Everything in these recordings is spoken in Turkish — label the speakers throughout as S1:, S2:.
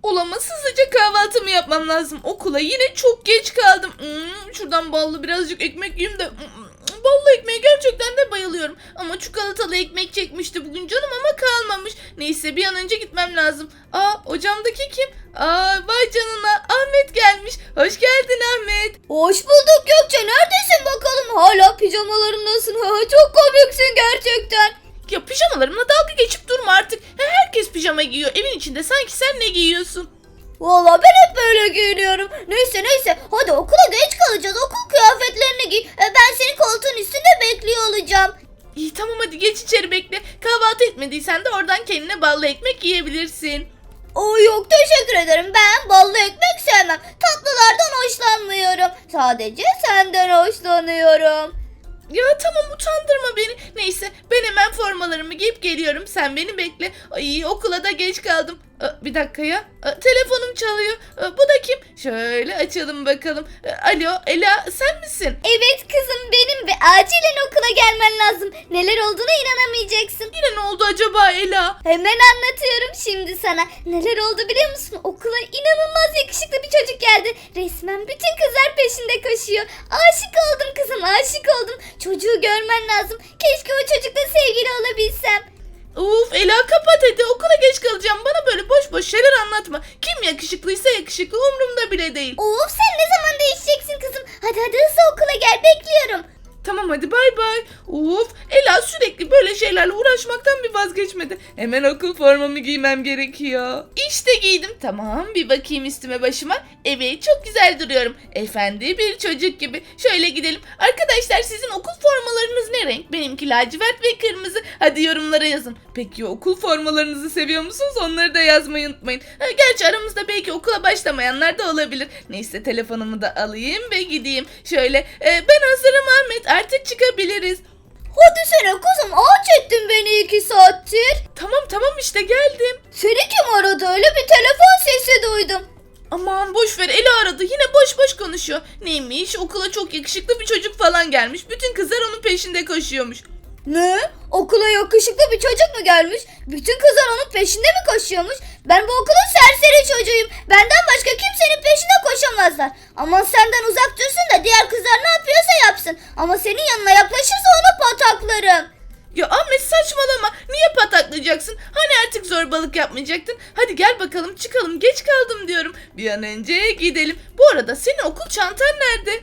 S1: Olamaz, hızlıca kahvaltımı yapmam lazım. Okula yine çok geç kaldım. Şuradan ballı birazcık ekmek yiyeyim de. Ballı ekmeğe gerçekten de bayılıyorum. Ama çikolatalı ekmek çekmişti bugün canım ama kalmamış. Neyse bir an önce gitmem lazım. O camdaki kim? Vay canına, Ahmet gelmiş. Hoş geldin Ahmet.
S2: Hoş bulduk Gökçe, neredesin bakalım? Hala pijamalarındasın. Çok komiksin gerçekten.
S1: Ya pijamalarımla dalga geçip durma artık. Herkes pijama giyiyor evin içinde, sanki sen ne giyiyorsun?
S2: Valla ben hep böyle giyiniyorum. Neyse hadi okula geç kalacağız. Okul kıyafetlerini giy. Ben seni koltuğun üstünde bekliyor olacağım.
S1: İyi tamam, hadi geç içeri bekle. Kahvaltı etmediysen de oradan kendine ballı ekmek yiyebilirsin.
S2: Yok teşekkür ederim. Ben ballı ekmek sevmem. Tatlılardan hoşlanmıyorum. Sadece senden hoşlanıyorum.
S1: Ya tamam, utandırma beni. Neyse ben hemen formalarımı giyip geliyorum. Sen beni bekle. Ay, okula da geç kaldım. Bir dakika ya. Telefonum çalıyor. Bu da kim? Şöyle açalım bakalım. Alo Ela, sen misin?
S2: Evet kızım benim ve acilen okula gelmen lazım. Neler olduğuna inanamayacaksın.
S1: Yine ne oldu acaba Ela?
S2: Hemen anlatıyorum şimdi sana. Neler oldu biliyor musun? Okula inanılmaz yakışıklı bir çocuk geldi. Resmen bütün kızlar peşinde koşuyor. Aşık oldum kızım, aşık oldum. Çocuğu görmen lazım. Keşke o çocukla sevgili olabilsem.
S1: Uf Ela, kapat hadi, okula geç kalacağım. Bana böyle boş boş şeyler anlatma. Kim yakışıklıysa yakışıklı, umurumda bile değil.
S2: Of, sen ne zaman değişeceksin kızım? Hadi hızlı okula gel, bekliyorum.
S1: Tamam hadi bay bay. Uf, Ela sürekli böyle şeylerle uğraşmaktan bir vazgeçmedi. Hemen okul formamı giymem gerekiyor. İşte giydim. Tamam, bir bakayım üstüme başıma. Evet, çok güzel duruyorum. Efendi bir çocuk gibi. Şöyle gidelim. Arkadaşlar, sizin okul formalarınız ne renk? Benimki lacivert ve kırmızı. Hadi yorumlara yazın. Peki okul formalarınızı seviyor musunuz? Onları da yazmayı unutmayın. Gerçi aramızda belki okula başlamayanlar da olabilir. Neyse telefonumu da alayım ve gideyim. Şöyle ben hazırım Ahmet, artık çıkabiliriz.
S2: Hadi sene kızım, ağaç ettin beni 2 saattir.
S1: Tamam işte geldim.
S2: Seni kim aradı? Öyle bir telefon sesi duydum.
S1: Aman boş ver, Ela aradı, yine boş boş konuşuyor. Neymiş, okula çok yakışıklı bir çocuk falan gelmiş. Bütün kızlar onun peşinde koşuyormuş.
S2: Ne? Okula yakışıklı bir çocuk mu gelmiş? Bütün kızlar onun peşinde mi koşuyormuş? Ben bu okulun serseri çocuğuyum. Benden başka kimsenin peşinde koşamazlar. Aman senden uzak dursun da diğer kızlar ne yapıyorsa yapsın. Ama senin yanına yaklaşırsa onu pataklarım.
S1: Ya Ahmet saçmalama, niye pataklayacaksın? Hani artık zorbalık yapmayacaktın? Hadi gel bakalım çıkalım, geç kaldım diyorum. Bir an önce gidelim. Bu arada senin okul çantan nerede?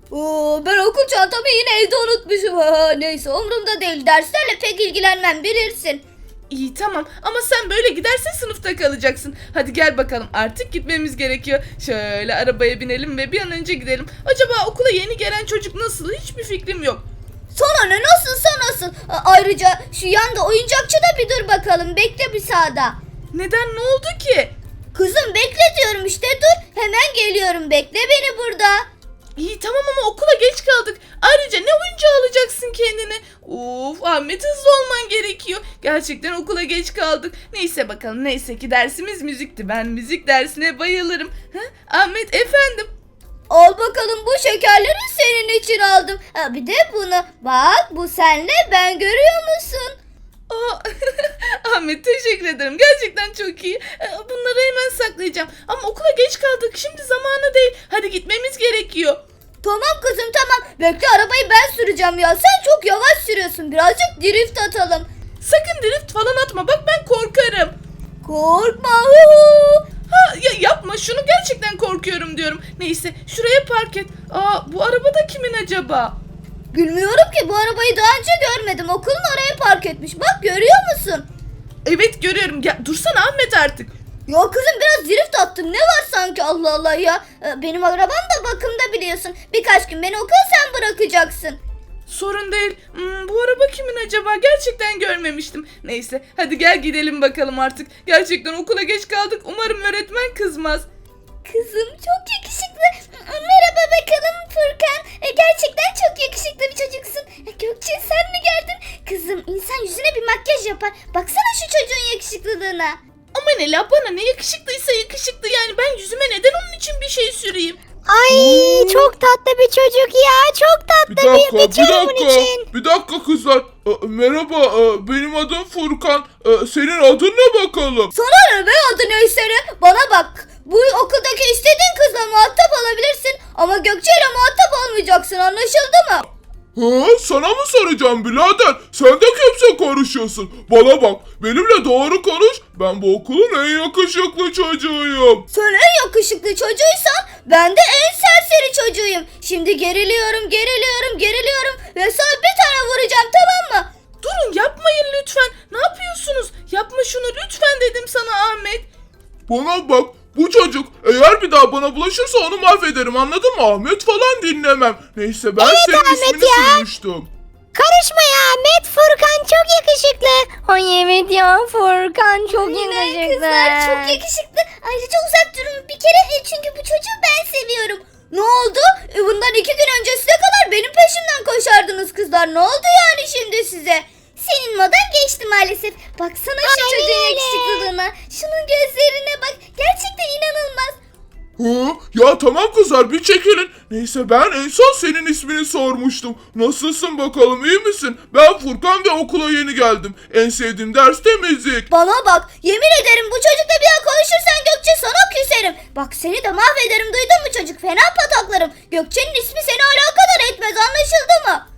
S2: Ben okul çantamı yine evde unutmuşum. Neyse umurumda değil, derslerle pek ilgilenmem bilirsin.
S1: İyi tamam, ama sen böyle gidersen sınıfta kalacaksın. Hadi gel bakalım, artık gitmemiz gerekiyor. Şöyle arabaya binelim ve bir an önce gidelim. Acaba okula yeni gelen çocuk nasıl? Hiçbir fikrim yok.
S2: Sana ne, nasılsa nasıl. Ayrıca şu yanda oyuncakçıda bir dur bakalım, bekle bir sağda.
S1: Neden, ne oldu ki?
S2: Kızım bekle diyorum işte, dur. Hemen geliyorum, bekle beni burada.
S1: İyi tamam ama okula geç kaldık. Ayrıca ne oyuncağı alacaksın kendine? Of Ahmet, hızlı olman gerekiyor. Gerçekten okula geç kaldık. Neyse bakalım, neyse ki dersimiz müzikti. Ben müzik dersine bayılırım. Ahmet efendim.
S2: Al bakalım, bu şekerleri senin için aldım. Bir de bunu. Bak, bu senle ben, görüyor musun?
S1: Ahmet teşekkür ederim. Gerçekten çok iyi. Bunları hemen saklayacağım. Ama okula geç kaldık. Şimdi zamanı değil. Hadi gitmemiz gerekiyor.
S2: Tamam kızım tamam. Bekle, arabayı ben süreceğim ya. Sen çok yavaş sürüyorsun. Birazcık drift atalım.
S1: Sakın drift falan atma. Bak ben korkarım.
S2: Korkma.
S1: Ya yapma şunu, gerçekten korkuyorum diyorum. Neyse şuraya park et. Bu araba da kimin acaba?
S2: Bilmiyorum ki, bu arabayı daha önce görmedim. Okulun oraya park etmiş. Bak, görüyor musun?
S1: Evet görüyorum. Dursana Ahmet artık.
S2: Ya kızım, biraz drift attım. Ne var sanki, Allah Allah ya. Benim arabam da bakımda biliyorsun. Birkaç gün beni okula sen bırakacaksın.
S1: Sorun değil. Bu araba kimin acaba? Gerçekten görmemiştim. Neyse hadi gel gidelim bakalım artık. Gerçekten okula geç kaldık. Umarım öğretmen kızmaz.
S2: Kızım çok yakışıklı. Merhaba bakalım Furkan. Gerçekten çok yakışıklı bir çocuksun. Gökçe, sen mi geldin? Kızım, insan yüzüne bir makyaj yapar. Baksana şu çocuğun yakışıklılığına.
S1: Aman Ela, bana ne yakışıklıysa yakışıklı, yani ben yüzüme neden onun için bir şey süreyim?
S3: Ay çok tatlı bir çocuk ya. Çok
S4: Bir
S3: tatlı
S4: dakika,
S3: bir çocuk bunun için.
S4: bir dakika kızlar. Merhaba, benim adım Furkan. Senin adın ne bakalım?
S2: Sana ne be adı neyse ne? Bana bak. Bu okuldaki istediğin kızla muhatap olabilirsin. Ama Gökçe ile muhatap olmayacaksın, anlaşıldı mı?
S4: Sana mı soracağım birader? Sen de kimse konuşuyorsun. Bana bak, benimle doğru konuş. Ben bu okulun en yakışıklı çocuğuyum.
S2: Sen en yakışıklı çocuğuysan ben de en serseri çocuğuyum. Şimdi geriliyorum ve sana bir tane vuracağım, tamam mı?
S1: Durun, yapmayın lütfen. Ne yapıyorsunuz? Yapma şunu lütfen dedim sana Ahmet.
S4: Bana bak, bu çocuk eğer bir daha bana bulaşırsa onu mahvederim, anladın mı? Ahmet falan dinlemem. Neyse, ben senin
S3: Ahmet
S4: ismini
S3: ya.
S4: duymuştum.
S3: Karışma ya Ahmet. Furkan çok yakışıklı. Ay evet ya Furkan çok yakışıklı.
S2: Kızlar çok yakışıklı. Ayrıca uzak durun bir kere, çünkü bu çocuğu ben seviyorum. Ne oldu? Bundan 2 gün öncesine kadar benim peşimden koşardınız kızlar. Ne oldu yani şimdi size? Senin modan geçti maalesef. Baksana şu
S3: Aynen
S2: çocuğun
S3: öyle.
S2: yakışıklılığına. Şunun gözlerine bak. Gerçekten inanılmaz.
S4: Ya tamam kızlar, bir çekilin. Neyse, ben en son senin ismini sormuştum. Nasılsın bakalım, iyi misin? Ben Furkan ve okula yeni geldim. En sevdiğim ders de müzik.
S2: Bana bak. Yemin ederim bu çocukla bir daha konuşursan Gökçe sana küserim. Bak seni de mahvederim, duydun mu çocuk? Fena pataklarım. Gökçe'nin ismi seni alakadar etmez, anlaşıldı mı?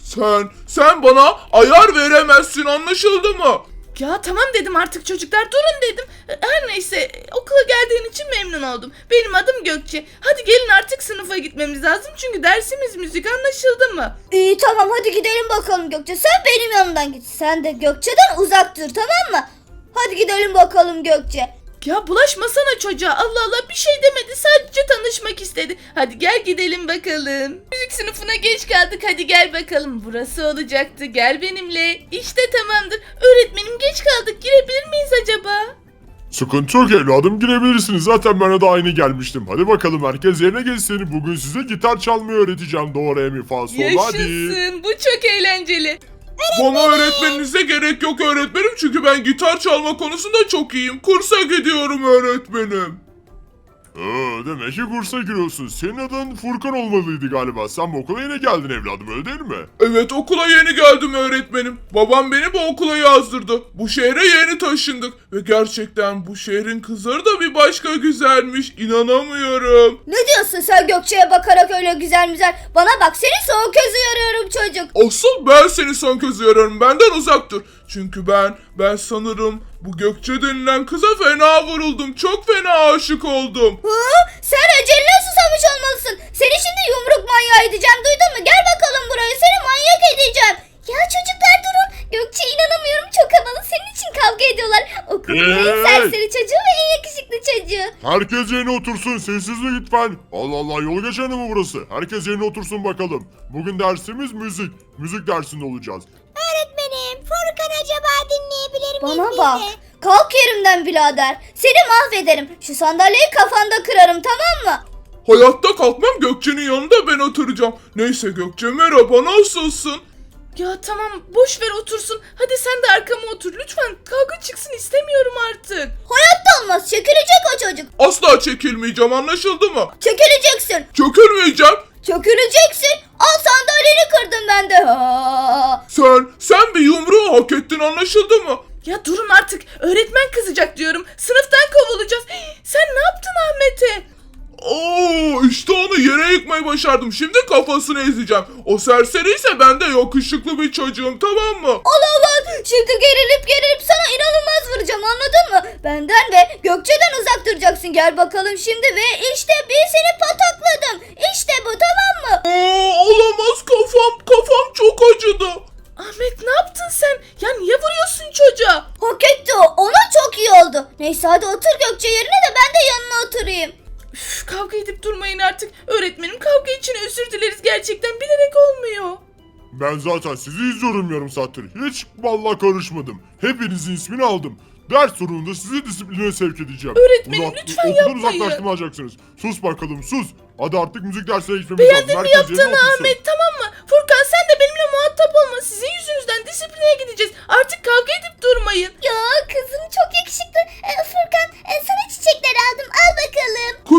S4: Sen bana ayar veremezsin, anlaşıldı mı?
S1: Ya tamam dedim artık çocuklar, durun dedim. Her neyse, okula geldiğin için memnun oldum. Benim adım Gökçe. Hadi gelin artık sınıfa gitmemiz lazım çünkü dersimiz müzik, anlaşıldı mı?
S2: İyi tamam, hadi gidelim bakalım Gökçe. Sen benim yanımdan git. Sen de Gökçe'den uzak dur, tamam mı? Hadi gidelim bakalım Gökçe.
S1: Ya bulaşmasana çocuğa, Allah Allah, bir şey demedi, sadece tanışmak istedi. Hadi gel gidelim bakalım. Müzik sınıfına geç kaldık, hadi gel bakalım. Burası olacaktı, gel benimle. İşte tamamdır. Öğretmenim, geç kaldık, girebilir miyiz acaba?
S5: Sıkıntı yok evladım, girebilirsiniz. Zaten bana da aynı gelmiştim. Hadi bakalım herkes yerine geçsin. Bugün size gitar çalmayı öğreteceğim. Do, re, mi, fa, sol, hadi.
S1: Yaşasın, bu çok eğlenceli.
S4: Bana öğretmeninize gerek yok öğretmenim, çünkü ben gitar çalma konusunda çok iyiyim. Kursa gidiyorum öğretmenim.
S5: Demek ki kursa giriyorsun. Senin adın Furkan olmalıydı galiba. Sen bu okula yeni geldin evladım, öyle değil mi?
S4: Evet, okula yeni geldim öğretmenim. Babam beni bu okula yazdırdı. Bu şehre yeni taşındık. Ve gerçekten bu şehrin kızları da bir başka güzelmiş. İnanamıyorum.
S2: Ne diyorsun sen Gökçe'ye bakarak öyle güzel güzel? Bana bak, seni son kez uyarıyorum çocuk.
S4: Asıl ben seni son kez uyarıyorum. Benden uzak dur. Çünkü ben sanırım bu Gökçe denilen kıza fena vuruldum. Çok fena aşık oldum.
S2: Sen eceline susamış olmalısın. Seni şimdi yumruk manyağı edeceğim, duydun mu? Gel bakalım buraya, seni manyak edeceğim. Ya çocuklar durun. Gökçe, inanamıyorum, çok havalı. Senin için kavga ediyorlar. Okulun en serseri çocuğu ve en yakışıklı çocuğu.
S5: Herkes yerine otursun. Sessizlik lütfen. Allah Allah, yol geçeni mi burası? Herkes yerine otursun bakalım. Bugün dersimiz müzik. Müzik dersinde olacağız.
S3: Öğretmenim Furkan acaba dinleyebilir miyiz
S2: Bana
S3: biz
S2: bak.
S3: de?
S2: Kalk yerimden birader. Seni mahvederim. Şu sandalyeyi kafanda kırarım, tamam mı?
S4: Hayatta kalkmam, Gökçe'nin yanında ben oturacağım. Neyse Gökçe, merhaba, nasılsın?
S1: Ya tamam, boş ver otursun. Hadi sen de arkama otur. Lütfen kavga çıksın istemiyorum artık.
S2: Hayatta olmaz. Çekilecek o çocuk.
S4: Asla çekilmeyeceğim, anlaşıldı mı?
S2: Çekileceksin.
S4: Çökülmeyeceğim.
S2: Çöküleceksin. Al, sandalyeni kırdım ben de. Ha.
S4: Sen bir yumruğu hak ettin, anlaşıldı mı?
S1: Ya durun artık. Öğretmen kızacak diyorum. Sınıftan kovulacağız. Sen ne yaptın Ahmet'e?
S4: İşte onu yere yıkmayı başardım. Şimdi kafasını ezeceğim. O serseri ise ben de yakışıklı bir çocuğum, tamam mı?
S2: Olamaz. Şimdi gerilip sana inanılmaz vuracağım, anladın mı? Benden ve Gökçe'den uzak duracaksın. Gel bakalım şimdi ve işte bir seni patakladım. İşte bu, tamam mı?
S4: Olamaz, kafam çok acıdı.
S1: Ahmet, ne yaptın sen? Ya niye vuruyorsun çocuğa?
S2: Hak etti o. Ona çok iyi oldu. Neyse hadi otur Gökçe yerine de ben de yanına oturayım.
S1: Üf, kavga edip durmayın artık. Öğretmenim, kavga için özür dileriz. Gerçekten bilerek olmuyor.
S5: Ben zaten sizi izliyorum yarım saattir. Hiç vallahi karışmadım. Hepinizin ismini aldım. Ders sonunda sizi disipline sevk edeceğim.
S1: Öğretmenim, lütfen
S5: okuldan
S1: yapmayın.
S5: uzaklaştıracaksınız. Sus bakalım, sus. Hadi artık müzik dersine geçmemiz
S1: Beğendin
S5: lazım.
S1: mi
S5: Herkes yerine
S1: yaptığını
S5: otursun.
S1: Ahmet, tamam mı? Furkan, sen de benimle muhatap olma. Sizin yüzünüzden disipline gideceğiz. Artık kavga edip durmayın.
S2: Ya kızım çok yakışıklı. Furkan, sana çiçekler aldım. Al bakalım.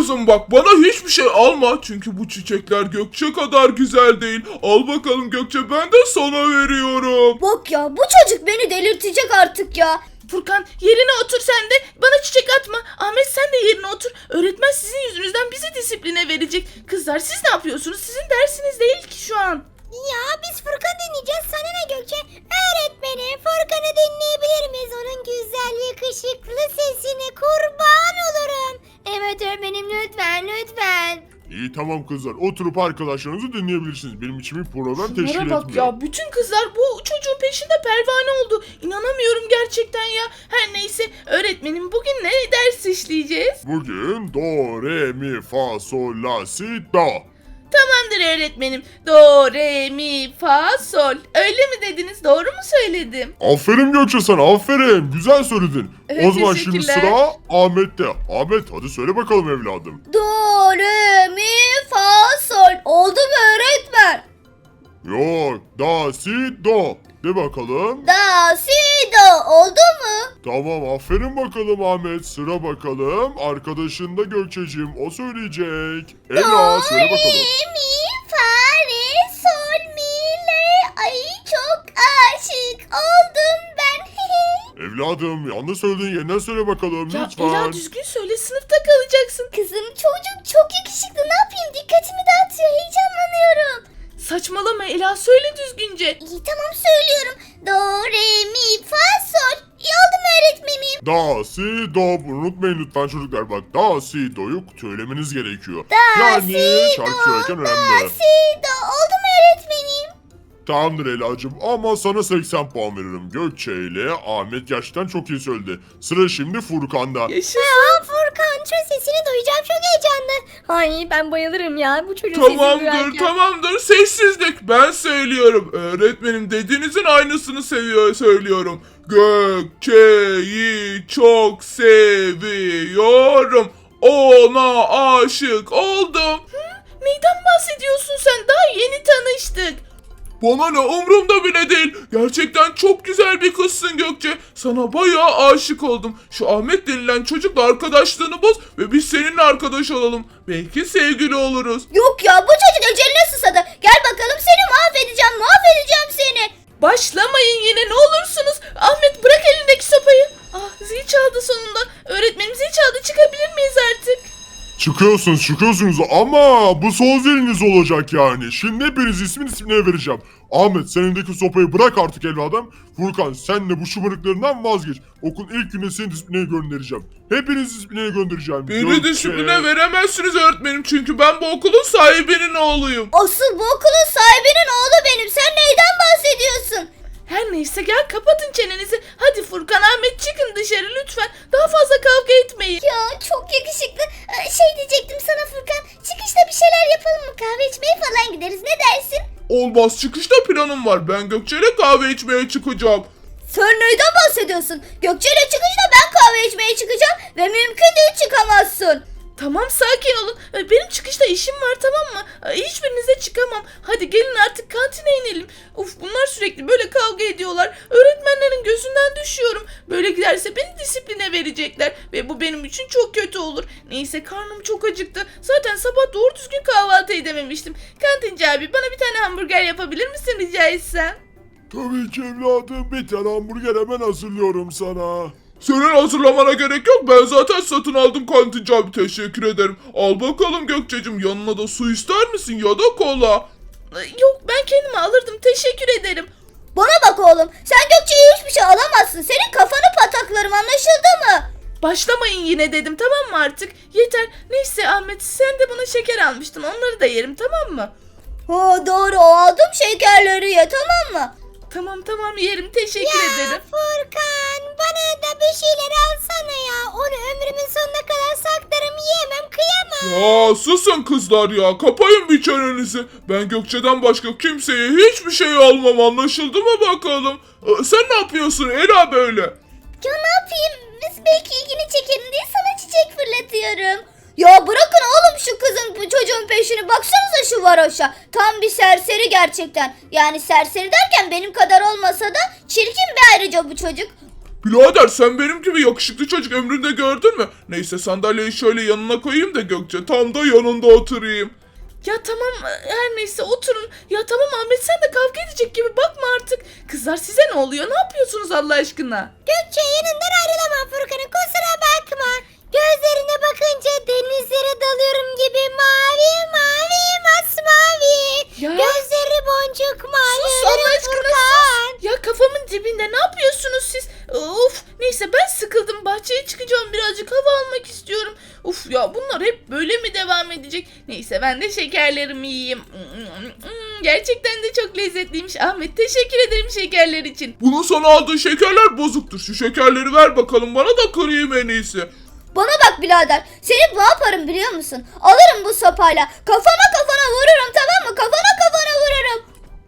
S4: kızım bak bana hiçbir şey alma. Çünkü bu çiçekler Gökçe kadar güzel değil. Al bakalım Gökçe ben de sana veriyorum.
S2: Bak ya bu çocuk beni delirtecek artık ya.
S1: Furkan yerine otur sen de. Bana çiçek atma. Ahmet sen de yerine otur. Öğretmen sizin yüzünüzden bizi disipline verecek. Kızlar siz ne yapıyorsunuz? Sizin dersiniz değil ki şu an.
S3: Ya biz Furkan dinleyeceğiz. Sana ne Gökçe? Öğretmenim Furkan'ı dinleyebilir miyiz? Onun güzel yakışıklı sesini kurban olurum. Evet öğretmenim lütfen.
S5: İyi tamam kızlar. Oturup arkadaşlarınızı dinleyebilirsiniz. Benim için bir problem teşkil
S1: Şunlara
S5: etmiyor.
S1: bak ya. Bütün kızlar bu çocuğun peşinde pervane oldu. İnanamıyorum gerçekten ya. Her neyse öğretmenim bugün ne ders işleyeceğiz?
S5: Bugün do, re, mi, fa, sol, la, si, do.
S1: Tamamdır öğretmenim. Do, re, mi, fa, sol. Öyle mi dediniz? Doğru mu söyledim?
S5: Aferin Gökçe sana aferin. Güzel söyledin.
S1: Evet,
S5: O zaman şimdi
S1: teşekkürler.
S5: sıra Ahmet'te. Ahmet hadi söyle bakalım evladım.
S2: Do, re, mi, fa, sol. Oldu mu öğretmen?
S5: Yok. Da, si, do. De bakalım.
S2: Da, si, do. Oldu mu?
S5: Tamam aferin bakalım Ahmet. Sıra bakalım. Arkadaşın da Gökçeciğim. O söyleyecek. Ela söyle bakalım.
S2: Mi, fa, re, sol, mi, le. Ay çok aşık oldum ben.
S5: Evladım yanlış söylediğin yeniden söyle bakalım
S1: Ya
S5: lütfen.
S1: Ela düzgün söyle sınıfta kalacaksın.
S2: Kızım çocuk çok yakışıklı, ne yapayım, dikkatimi dağıtıyor, heyecanlanıyorum.
S1: Saçmalama Ela söyle düzgünce.
S2: İyi tamam söylüyorum. Do, re, mi, fa, sol. İyi oldu mu öğretmenim?
S5: Da, si, do. Bunu unutmayın lütfen çocuklar. Bak da, si, do'yu söylemeniz gerekiyor.
S2: Da,
S5: yani
S2: si,
S5: şarkı
S2: do,
S5: söylerken önemli.
S2: Si, do. Oldu mu öğretmenim?
S5: Tamamdır Ela'cığım ama sana 80 puan veririm. Gökçe ile Ahmet gerçekten çok iyi söyledi. Sıra şimdi Furkan'da.
S1: Yaşasın.
S3: Aa Furkan şu sesini duyacağım çok heyecanlı. Ay ben bayılırım ya bu çocuğun sesini duyarken.
S4: Tamamdır sessizlik ben söylüyorum. Öğretmenim dediğinizin aynısını söylüyorum. Gökçe'yi çok seviyorum. Ona aşık oldum.
S1: Neyden bahsediyorsun sen? Daha yeni tanıştık.
S4: Bana ne umurumda bile değil. Gerçekten çok güzel bir kızsın Gökçe. Sana bayağı aşık oldum. Şu Ahmet denilen çocukla arkadaşlığını boz ve biz seninle arkadaş olalım. Belki sevgili oluruz.
S2: Yok ya bu çocuk eceline susadı. Gel bakalım seni mahvedeceğim seni.
S1: Başlamayın yine ne olursunuz. Ahmet bırak elindeki sopayı. Ah zil çaldı sonunda. Öğretmenim zil çaldı çıkabilir miyiz artık?
S5: Çıkıyorsunuz ama bu son ziliniz olacak yani. Şimdi hepiniz ismine vereceğim. Ahmet sen elindeki sopayı bırak artık evladım. Furkan sen de bu şımarıklarından vazgeç. Okulun ilk günde seni disiplineye göndereceğim. Hepiniz disiplineye göndereceğim.
S4: Beni
S5: Gökçe.
S4: disipline veremezsiniz öğretmenim çünkü ben bu okulun sahibinin oğluyum.
S2: Asıl bu okulun sahibinin oğlu benim. Sen neyden bahsediyorsun?
S1: Her neyse gel kapatın çenenizi. Hadi Furkan Ahmet çıkın dışarı lütfen. Daha fazla kavga etmeyin.
S2: Ya çok yakışıklı. Şey diyecektim sana Furkan. Çıkışta bir şeyler yapalım mı? Kahve içmeye falan gideriz. Ne dersin?
S4: Olmaz çıkışta planım var. Ben Gökçe ile kahve içmeye çıkacağım.
S2: Sen neyden bahsediyorsun? Gökçe ile çıkışta ben kahve içmeye çıkacağım ve mümkün değil çıkamazsın.
S1: Tamam sakin olun. Benim çıkışta işim var tamam mı? Hiçbirinize çıkamam. Hadi gelin artık kantine inelim. Uf bunlar sürekli böyle kavga ediyorlar. Öğretmenlerin gözünden düşüyorum. Böyle giderse beni disipline verecekler. Ve bu benim için çok kötü olur. Neyse karnım çok acıktı. Zaten sabah doğru düzgün kahvaltı edememiştim. Kantinci abi bana bir tane hamburger yapabilir misin rica etsem?
S5: Tabii ki evladım bir tane hamburger hemen hazırlıyorum sana.
S4: Senin hazırlamana gerek yok. Ben zaten satın aldım kantinci abi. Teşekkür ederim. Al bakalım Gökçe'cim. Yanına da su ister misin ya da kola?
S1: Yok ben kendime alırdım. Teşekkür ederim.
S2: Bana bak oğlum. Sen Gökçe'ye hiçbir şey alamazsın. Senin kafanı pataklarım, anlaşıldı mı?
S1: Başlamayın yine dedim tamam mı artık? Yeter. Neyse Ahmet sen de bana şeker almıştın. Onları da yerim tamam mı?
S2: Ha doğru, o aldım şekerleri ye, tamam mı?
S1: Tamam yerim. Teşekkür ederim.
S3: Furkan bana da bir şeyler alsana ya. Onu ömrümün sonuna kadar saklarım yiyemem kıyamam.
S4: Ya susun kızlar ya. Kapayın bir çenenizi. Ben Gökçe'den başka kimseye hiçbir şey almam. Anlaşıldı mı bakalım? Sen ne yapıyorsun Ela böyle?
S2: Ya ne yapayım? Biz belki ilgini çekerim diye sana çiçek fırlatıyorum. Ya bırakın oğlum şu kızın, bu çocuğun peşini. Baksanıza şu varoşa. Tam bir serseri gerçekten. Yani serseri derken benim kadar olmasa da çirkin bir ayrıca bu çocuk.
S4: Birader sen benim gibi yakışıklı çocuk ömründe gördün mü? Neyse sandalyeyi şöyle yanına koyayım da Gökçe tam da yanında oturayım.
S1: Ya tamam her neyse oturun. Ya tamam Ahmet sen de kavga edecek gibi bakma artık. Kızlar size ne oluyor? Ne yapıyorsunuz Allah aşkına?
S3: Gökçe yanından ayrılamam Furkan'ın, kusura bakma. Gözlerine bakınca denizlere dalıyorum gibi mavi mavi masmavi.
S1: Ya.
S3: Gözleri boncuk mavi.
S1: Sus Allah aşkına
S3: Furkan.
S1: sus. Ya kafamın dibinde ne yapıyorsunuz siz? Of neyse ben sıkıldım. Bahçeye çıkacağım birazcık hava almak istiyorum. Uf ya bunlar hep böyle mi devam edecek? Neyse ben de şekerlerimi yiyeyim. Gerçekten de çok lezzetliymiş. Ahmet teşekkür ederim şekerler için.
S4: Bunun sana aldığı şekerler bozuktur. Şu şekerleri ver bakalım bana da kırayım en iyisi.
S2: Bana bak birader. Seni ne yaparım biliyor musun? Alırım bu sopayla. Kafana vururum, tamam mı? Kafana vururum.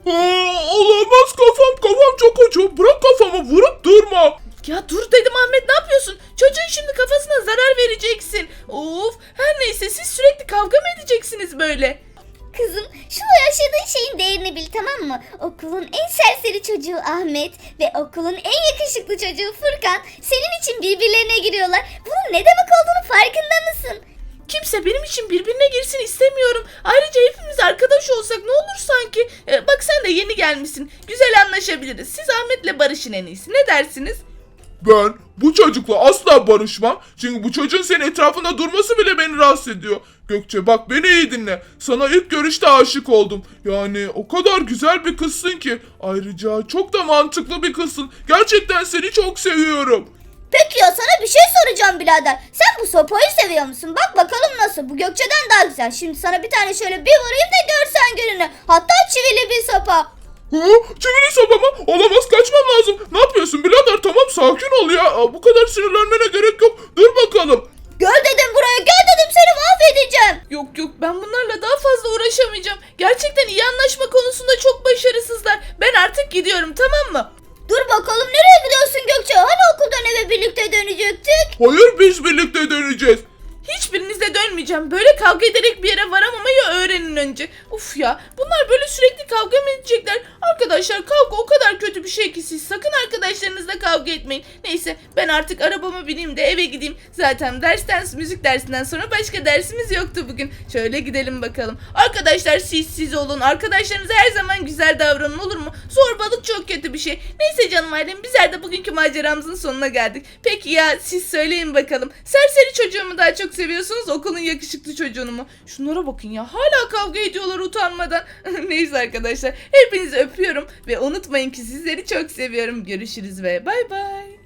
S4: Olamaz kafam çok acıyor. Bırak kafamı vurup durma.
S1: Ya dur dedim Ahmet ne yapıyorsun? Çocuğun şimdi kafasına zarar vereceksin. Of her neyse siz sürekli kavga mı edeceksiniz böyle?
S2: Kızım şu yaşadığın şeyin değerini bil, tamam mı? Okulun en serseri çocuğu Ahmet ve okulun en yakışıklı çocuğu Furkan senin için birbirlerine giriyorlar. Bunun ne demek olduğunu farkında mısın?
S1: Kimse benim için birbirine girsin istemiyorum. Ayrıca hepimiz arkadaş olsak ne olur sanki? Bak sen de yeni gelmişsin. Güzel anlaşabiliriz. Siz Ahmet'le barışın en iyisi. Ne dersiniz?
S4: Ben bu çocukla asla barışmam. Çünkü bu çocuğun senin etrafında durması bile beni rahatsız ediyor. Gökçe bak beni iyi dinle. Sana ilk görüşte aşık oldum. Yani o kadar güzel bir kızsın ki. Ayrıca çok da mantıklı bir kızsın. Gerçekten seni çok seviyorum.
S2: Peki ya sana bir şey soracağım birader. Sen bu sopayı seviyor musun? Bak bakalım nasıl. Bu Gökçe'den daha güzel. Şimdi sana bir tane şöyle bir vurayım da görsen gününü. Hatta çivili bir sopa.
S4: Çivili sopa mı? Olamaz kaçmam lazım. Ne yapıyorsun birader tamam sakin ol ya. Bu kadar sinirlenmene gerek yok. Dur bakalım.
S2: Gel dedim buraya, gel dedim, seni mahvedeceğim.
S1: Yok ben bunlarla daha fazla uğraşamayacağım. Gerçekten iyi anlaşma konusunda çok başarısızlar. Ben artık gidiyorum tamam mı?
S2: Dur bakalım nereye gidiyorsun Gökçe? Hani okuldan eve birlikte dönecektik?
S4: Hayır biz birlikte döneceğiz.
S1: Hiçbirinizle dönmeyeceğim. Böyle kavga ederek bir yere varamamayı öğrenin önce. Uf ya bunlar böyle sürekli kavga mı edecekler? Arkadaşlar kavga o kadar kötü bir şey ki siz sakın arkadaşlarınızla kavga etmeyin. Neyse ben artık arabama bineyim de eve gideyim. Zaten müzik dersinden sonra başka dersimiz yoktu bugün. Şöyle gidelim bakalım. Arkadaşlar siz olun. Arkadaşlarınıza her zaman güzel davranın olur mu? Zorbalık çok kötü bir şey. Neyse canım ailem bizler de bugünkü maceramızın sonuna geldik. Peki ya siz söyleyin bakalım. Serseri çocuğumu daha çok seviyorsunuz okulun yakışıklı çocuğunu mu? Şunlara bakın ya hala kavga ediyorlar utanmadan. Neyse arkadaşlar hepinizi öpüyorum ve unutmayın ki sizleri çok seviyorum. Görüşürüz ve bay bay.